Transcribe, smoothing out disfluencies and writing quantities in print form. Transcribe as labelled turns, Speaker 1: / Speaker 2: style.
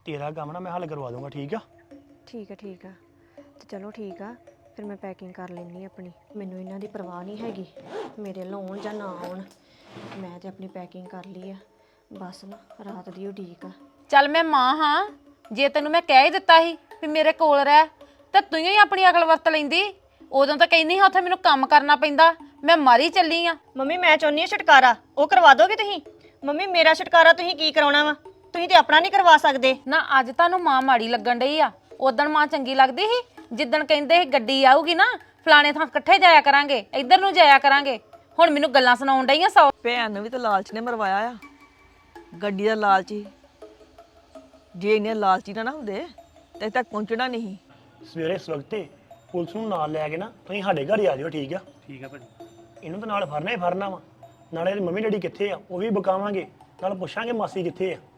Speaker 1: ਤੇਰਾ ਕੰਮ ਨਾ ਮੈਂ ਹੱਲ ਕਰਵਾ ਦੂੰਗਾ, ਠੀਕ ਆ?
Speaker 2: ਠੀਕ ਆ ਤੇ ਚਲੋ ਠੀਕ ਆ ਫਿਰ ਮੈਂ ਪੈਕਿੰਗ ਕਰ ਲੈਣੀ ਆਪਣੀ। ਮੈਨੂੰ ਇਹਨਾਂ ਦੀ ਪਰਵਾਹ ਨਹੀਂ ਹੈਗੀ, ਮੇਰੇ ਲਾਉਣ ਜਾਂ ਨਾ ਆਉਣ, ਮੈਂ ਤੇ ਆਪਣੀ ਪੈਕਿੰਗ ਕਰ ਲਈ ਆ। ਬਸ ਨਾ ਰਾਤ ਦੀ ਉਡੀਕ ਆ।
Speaker 3: ਚੱਲ ਮੈਂ ਮਾਂ ਹਾਂ, ਜੇ ਤੈਨੂੰ ਮੈਂ ਕਹਿ ਹੀ ਦਿੱਤਾ ਸੀ ਵੀ ਮੇਰੇ ਕੋਲ ਰਹਿ ਤੇ ਤੂੰ ਹੀ ਆਪਣੀ ਅਕਲ ਵਰਤ ਲੈਂਦੀ। ਉਦੋਂ ਤਾਂ ਕਹਿੰਦੀ ਹਾਂ ਉੱਥੇ ਮੈਨੂੰ ਕੰਮ ਕਰਨਾ ਪੈਂਦਾ, ਮੈਂ ਮਾਰੀ ਚੱਲੀ ਆ।
Speaker 2: ਮੰਮੀ ਮੈਂ ਚਾਹੁੰਦੀ ਹਾਂ ਛੁਟਕਾਰਾ, ਉਹ ਕਰਵਾ ਦੋਗੇ ਤੁਸੀਂ? ਮੰਮੀ ਮੇਰਾ ਛੁਟਕਾਰਾ ਤੁਸੀਂ ਕੀ ਕਰਾਉਣਾ ਵਾ? ਤੁਸੀਂ ਤੇ ਆਪਣਾ ਨਹੀਂ ਕਰਵਾ ਸਕਦੇ
Speaker 3: ਨਾ। ਅੱਜ ਤੁਹਾਨੂੰ ਮਾਂ ਮਾੜੀ ਲੱਗਣ ਡਈ ਆ, ਉਦਣ ਮਾਂ ਚੰਗੀ ਲੱਗਦੀ ਸੀ ਜਿੱਦਣ ਕਹਿੰਦੇ ਸੀ ਗੱਡੀ ਆਊਗੀ ਨਾ ਫਲਾਣੇ ਥਾਂ ਇਕੱਠੇ ਜਾਇਆ ਕਰਾਂਗੇ, ਇੱਧਰ ਨੂੰ ਜਾਇਆ ਕਰਾਂਗੇ। ਹੁਣ ਮੈਨੂੰ ਗੱਲਾਂ ਸੁਣਾਉਣ ਡਈਆਂ ਸੌ।
Speaker 4: ਭੈਣ ਨੂੰ ਵੀ ਤਾਂ ਲਾਲਚ ਨੇ ਮਰਵਾਇਆ ਆ, ਗੱਡੀ ਦਾ ਲਾਲਚ ਹੀ। ਜੇ ਇੰਨੇ ਲਾਲਚੀ ਨਾ ਹੁੰਦੇ ਤੇ ਤੱਕ ਪਹੁੰਚਣਾ ਨਹੀਂ।
Speaker 1: ਸਵੇਰੇ ਇਸ ਵਕਤੇ ਪੁਲਿਸ ਨੂੰ ਨਾਲ ਲੈ ਕੇ ਨਾ ਤੁਸੀਂ ਸਾਡੇ ਘਰ ਹੀ ਆ ਜਾਓ, ਠੀਕ ਆ?
Speaker 5: ਠੀਕ ਆ ਭਾਜੀ।
Speaker 1: ਇਹਨੂੰ ਤਾਂ ਨਾਲ ਫੜਨਾ ਹੀ ਫੜਨਾ ਵਾ। ਨਾਲੇ ਇਹਦੀ ਮੰਮੀ ਡੈਡੀ ਕਿੱਥੇ ਆ ਉਹ ਵੀ ਬਕਾਵਾਂਗੇ, ਨਾਲ ਪੁੱਛਾਂਗੇ ਮਾਸੀ ਕਿੱਥੇ ਆ।